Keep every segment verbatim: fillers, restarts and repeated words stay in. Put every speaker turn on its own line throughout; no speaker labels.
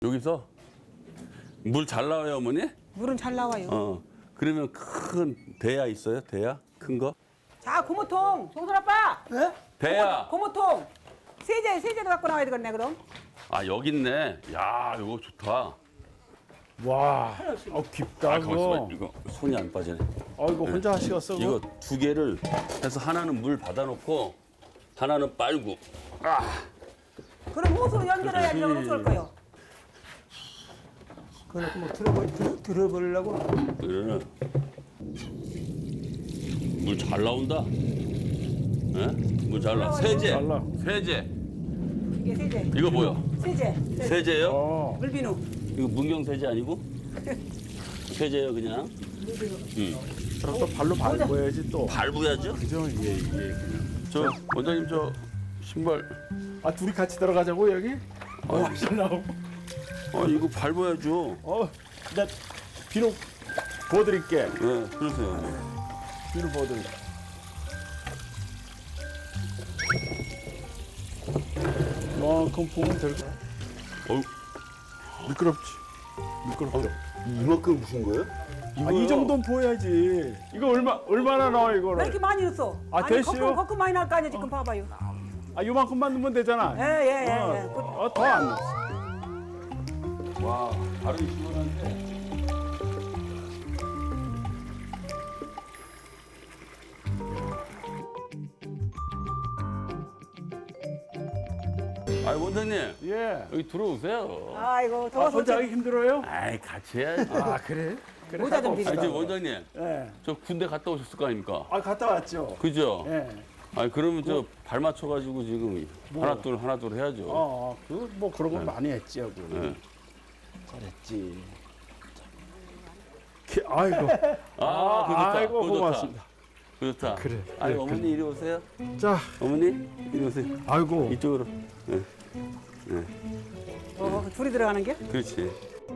여기서 물 잘 나와요, 어머니?
물은 잘 나와요.
어. 그러면 큰 대야 있어요? 대야? 큰 거?
자, 고무통. 송설 아빠.
네?
대야.
고무통. 세제, 세제도 갖고 나와야 되겠네, 그럼.
아, 여기 있네. 야, 이거 좋다.
와, 어, 깊다,
아, 가만있어 봐.
이거.
이거 손이 안 빠지네.
어, 이거 혼자 하시겠어, 그거?
이거 두 개를 해서 하나는 물 받아놓고 하나는 빨고.
그럼 호수로 연결해야지,
그렇지.
호수 올 거요.
그래, 뭐 들어버, 들, 들어버리려고?
그러면 물 잘 나온다. 예? 물 잘 나. 세제.
잘 나.
세제.
이게 세제.
이거 뭐야?
세제. 세제.
세제요?
어,
물비누.
이거 문경 세제 아니고? 세제요, 그냥.
그럼 또 발로 밟아야지 또.
밟아야죠.
그죠? 예, 예.
저 원장님 저 신발.
아, 둘이 같이 들어가자고, 여기? 어, 하실 나오고.
아 이거 밟아야죠.
어, 나 비누 부어드릴게.
네, 그러세요.
비누 부어드릴게. 이만큼 부으면 될 거야.
어우,
미끄럽지? 미끄럽죠?
이만큼 부신 거예요?
아, 이 정도는 부어야지. 이거 얼마, 얼마나 나와,
왜
이거를?
이렇게 많이 넣었어?
아,
아니,
됐어요?
거품, 거품 많이 날 거 아니야, 지금 봐봐요.
아, 요만큼만 넣으면 되잖아.
예, 예, 예. 예. 그-
어, 어, 더 안 넣었어.
와, 발음이 시원한데. 아, 원장님
예.
여기 들어오세요.
아이고,
아,
더워서.
혼자
어째-
하기 힘들어요?
아이, 같이 해야지.
아, 그래? 그래.
모자 좀
아,
비싸.
이제 원장님,
예.
저 군대 갔다 오셨을 거 아닙니까?
아, 갔다 왔죠?
그죠?
예.
아, 그러면 저 발 맞춰가지고 지금
뭐?
하나 둘 하나 둘 해야죠.
어, 그, 뭐, 그런 거 많이 했지, 하고.
네.
잘했지. 키- 아이고.
아, 그거 좋다.
아이고,
그거 좋다.
고맙습니다.
그거 좋다.
그래,
아니,
그래,
어머니 이리 오세요.
자,
어머니 이리 오세요.
아이고.
이쪽으로. 네.
어, 둘이 들어가는 게?
그렇지.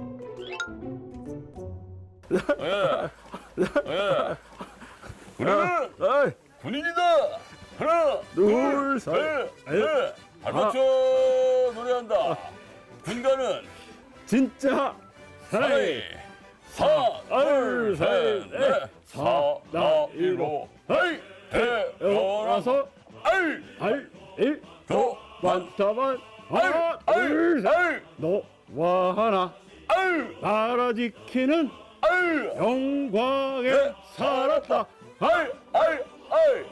예. 예. 우리는
어이,
군인이다. 하나,
둘, 셋,
넷, 넷. 발 맞춰 노래한다. 군가는
진짜
사이, 사, 둘, 셋, 넷, 사, 나, 일로, 헤이, 태어나서,
태어나서
알,
알, 일,
도,
만타만 하나,
알,
둘,
알,
셋, 너와 하나
알,
나라 지키는
알,
영광에
네.
살았다.
알, 알, 알.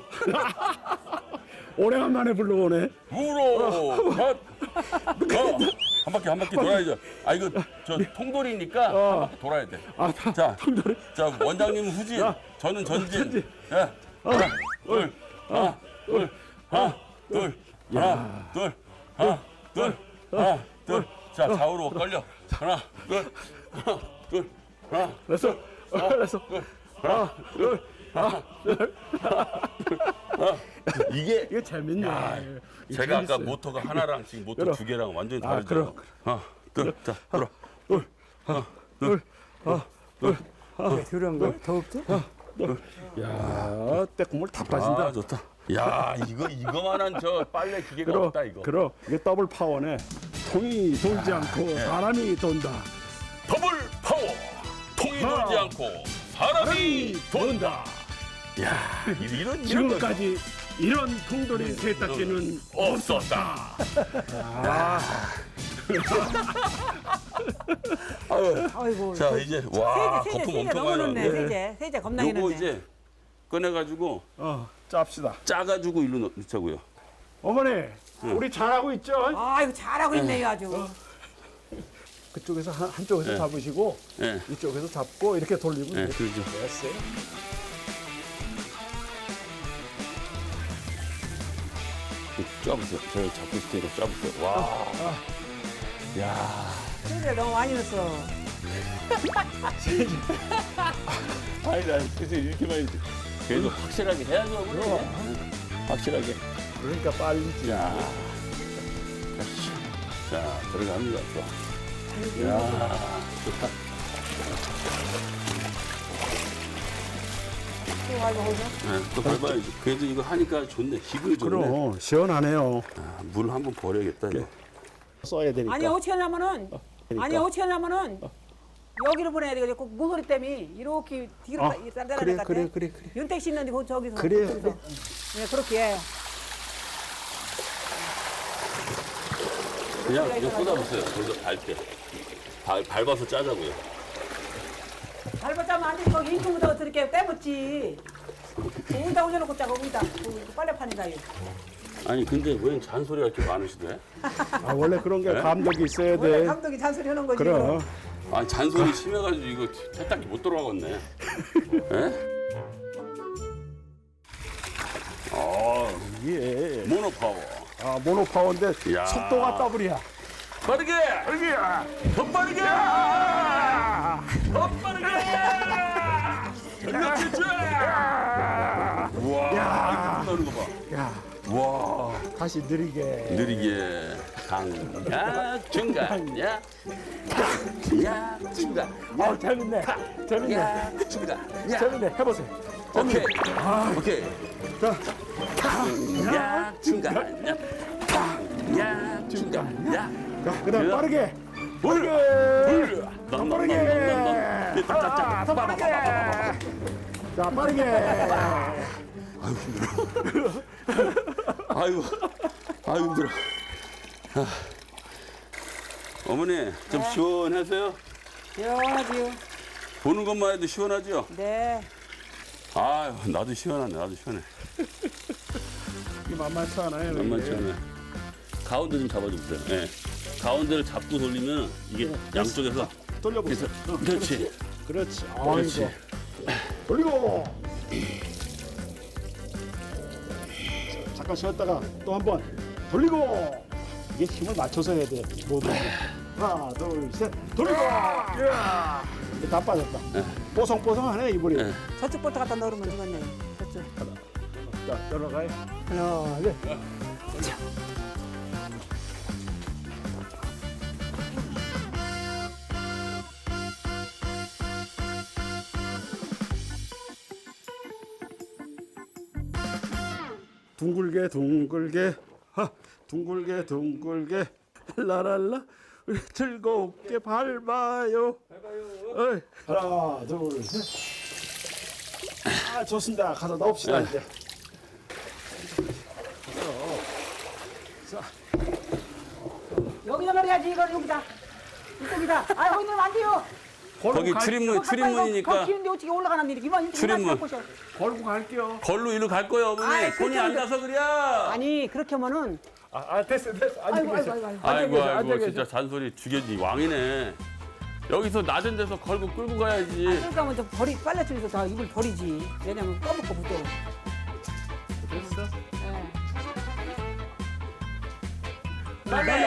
오래간만에 불러오네.
우로 컷. 어, 한 바퀴 한 바퀴 돌아야죠. 아 이거 저 통돌이니까 한 바퀴 돌아야 돼.
아, 다,
자,
통돌이.
자 원장님은 후진,
야.
저는 전진.
전진.
예. 하나, 둘, 하나, 둘, 하나, 둘, 하나, 둘, 하나, 둘, 하나, 둘. 자 좌우로 걸려. 하나, 둘, 하나, 둘, 하나,
됐어. 됐어.
하나, 둘, 하나, 둘, 하나. 이게
이거 재밌네. 이거
제가 아까
재밌어요.
모터가 하나랑 지금 모터
그럼.
두 개랑 완전히
아,
다르죠.
그럼.
하나, 둘, 자, 돌아.
둘, 둘, 하나, 둘, 하나,
그런 거? 더 없죠?
야, 때국물 다 빠진다.
아, 좋다. 야, 이거 이거만한 저 빨래 기계가
그럼,
없다 이거.
그럼 이게 더블 파워네. 통이 돌지 않고 사람이 돈다.
더블 파워. 통이
아.
돌지 않고 사람이 돈다. 야, 이런 이런 거
지금까지 이런 통돌이 세탁기는
없었다.
아이고.
자, 이제 와,
세제, 세제,
거품
세제
엄청
너무
많이
넣네,
나네.
세제. 세제 겁나게
요거
넣네.
이제 꺼내가지고
어, 짭시다.
짜가지고 일로 넣- 넣자고요.
어머니, 우리 잘하고 있죠?
아이고, 잘하고 있네요, 아주.
그쪽에서 한, 한쪽에서
네.
잡으시고
예,
이쪽에서 잡고 이렇게 돌리면
예,
돼.
그러죠.
됐어요.
짜보세요. 제가 잡고 있을 테니까 짜보세요. 와, 야,
세제 너무 많이 넣었어.
아니 나 그래서 이렇게 많이 그래도 확실하게 해야죠. 그래.
그럼.
확실하게.
그러니까 빨리지.
자, 자 들어갑니다. 또. 야, 좋다.
또 알고 보죠.
네, 또 밟아야지. 그래도 이거 하니까 좋네. 기분이 좋네.
그럼 시원하네요.
아, 물 한번 버려야겠다 이거.
써야 되니까.
아니, 어떻게 하냐면은 아니 어떻게 하냐면은 여기를 보내야 돼. 꼭 모서리 때문에 이렇게 뒤로
아,
딴데나
그래,
갔대.
그래, 그래, 그래.
윤택 씨 있는데 그 저기서.
그래,
저기서.
그래.
네 그렇게 해.
그냥 그냥 쏟아보세요. 거기서 밟게. 발, 밟아서 짜자고요.
밟았자면 안 돼. 거기 인중부터 이렇게 떼묻지. 거기다 올려놓고 짜 거기다. 그 빨래판이다 이거.
아니 근데 왜 잔소리가 이렇게 많으시대?
아, 원래 그런 게
네?
감독이 있어야
원래
돼.
감독이 잔소리 하는 거지.
그럼.
아니 잔소리 심해가지고 이거 세탁기 못 들어가겠네. 예? 아
예.
모노파워.
아, 모노파워인데
야.
속도가 더블이야.
빠르게!
여기.
더 빠르게! 더 빠르게! 그렇지! 우와 이거 나는 거 봐.
야,
와
다시 느리게.
느리게 강야 중간 야 야, 중간
아, 재밌네. 재밌네.
야, 중간 야.
재밌네. 해보세요.
오케이 오케이
자,
야, 중간 야, 야, 중간 야.
자, 그다음
야.
빠르게.
불! 불!
더 빠르게. 아, 더 빠르게. 자, 빠르게.
아이고 아이고 힘들어. 아. 어머니 좀 시원하세요?
시원하지요.
보는 것만 해도 시원하죠?
네.
아유 나도 시원하네 나도 시원해.
이게 만만치 않아요.
만만치
이게.
않네. 가운데 좀 잡아주세요. 네. 가운데를 잡고 돌리면 이게 양쪽에서
돌려보세요. 어,
그렇지.
그렇지.
그렇지.
아이고. 돌리고. 잠깐 쉬었다가 또 한 번 돌리고. 이게 힘을 맞춰서 해야 돼. 모두. 하나, 둘, 셋. 돌리고. 이야. 이제 다 빠졌다. 뽀송뽀송하네 이불이.
네.
저쪽부터 갖다 넣으면 되겠네. 저쪽.
자, 들어가요. 하나, 둘. 둥글게 둥글게 하 둥글게 둥글게 라랄라 우리 즐겁게 밟아요. 밟아요. 하나 둘셋. 아 좋습니다. 가서 넣읍시다 이제.
여기다 넣어야지 이걸 여기다. 이쪽이다. 아 거기 넣으면 안 돼요.
거기 출입문
거
출입문이니까
키우는데 어떻게 올라가는 일이 이만
출입문.
걸고 갈게요.
걸로 일로 갈 거예요 어머니.
아이,
손이
그렇게
안
하면
닿아서 그래.
아니 그렇게 하면은
아, 아 됐어 됐어. 앉아
아이고,
계세요.
아이고, 아이고,
앉아
아이고
계세요. 앉아
아이고
계세요.
진짜 잔소리 죽여지 왕이네. 여기서 낮은 데서 걸고 끌고 가야지.
그러니까 하면 저 버리 빨래통에서 다 이걸 버리지. 왜냐면 꺼먹고 묻어.
됐어.
예.
빨리